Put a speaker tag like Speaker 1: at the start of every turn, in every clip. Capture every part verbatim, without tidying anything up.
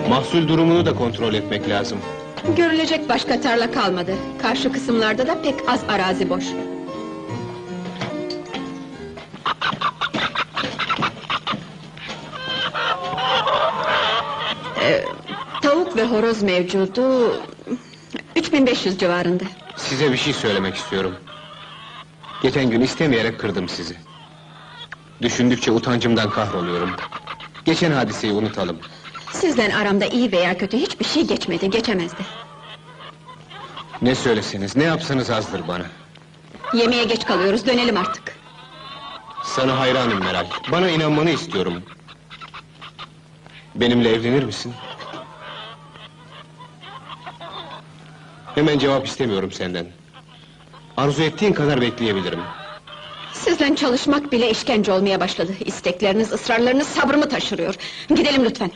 Speaker 1: Mahsul durumunu da kontrol etmek lazım.
Speaker 2: Görülecek başka tarla kalmadı. Karşı kısımlarda da pek az arazi boş. Ee, tavuk ve horoz mevcudu... üç bin beş yüz civarında.
Speaker 1: Size bir şey söylemek istiyorum. Geçen gün istemeyerek kırdım sizi. Düşündükçe utancımdan kahroluyorum. Geçen hadiseyi unutalım.
Speaker 2: Sizden aramda iyi veya kötü hiçbir şey geçmedi, geçemezdi.
Speaker 1: Ne söyleseniz, ne yapsanız azdır bana.
Speaker 2: Yemeğe geç kalıyoruz, dönelim artık.
Speaker 1: Sana hayranım Meral, bana inanmanı istiyorum. Benimle evlenir misin? Hemen cevap istemiyorum senden. Arzu ettiğin kadar bekleyebilirim.
Speaker 2: Sizden çalışmak bile işkence olmaya başladı. İstekleriniz, ısrarlarınız sabrımı taşırıyor. Gidelim lütfen.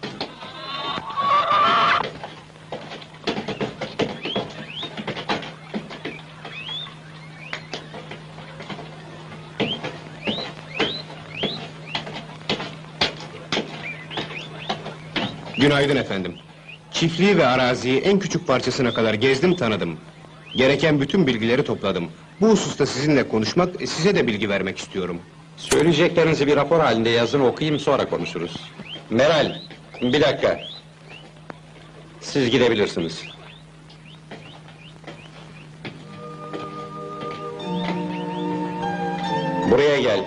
Speaker 1: Günaydın efendim. Çiftliği ve araziyi en küçük parçasına kadar gezdim, tanıdım. Gereken bütün bilgileri topladım. Bu hususta sizinle konuşmak, size de bilgi vermek istiyorum.
Speaker 3: Söyleyeceklerinizi bir rapor halinde yazın, okuyayım, sonra konuşuruz. Meral, bir dakika. Siz gidebilirsiniz. Buraya gel.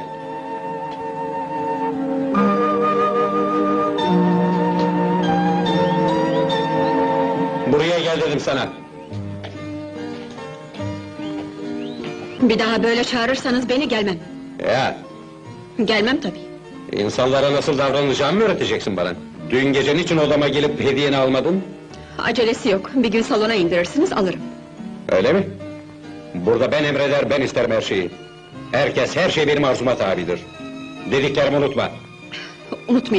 Speaker 3: Buraya gel dedim sana.
Speaker 2: Bir daha böyle çağırırsanız beni gelmem.
Speaker 3: Ya,
Speaker 2: Gelmem tabii.
Speaker 3: insanlara nasıl davranacağımı mı öğreteceksin bana? Dün gece niçin odama gelip hediyeni almadın?
Speaker 2: Acelesi yok, bir gün salona indirirsiniz, alırım.
Speaker 3: Öyle mi? Burada ben emreder, ben isterim her şeyi. Herkes, her şey benim arzuma tabidir. Dediklerimi unutma.
Speaker 2: Unutmayın.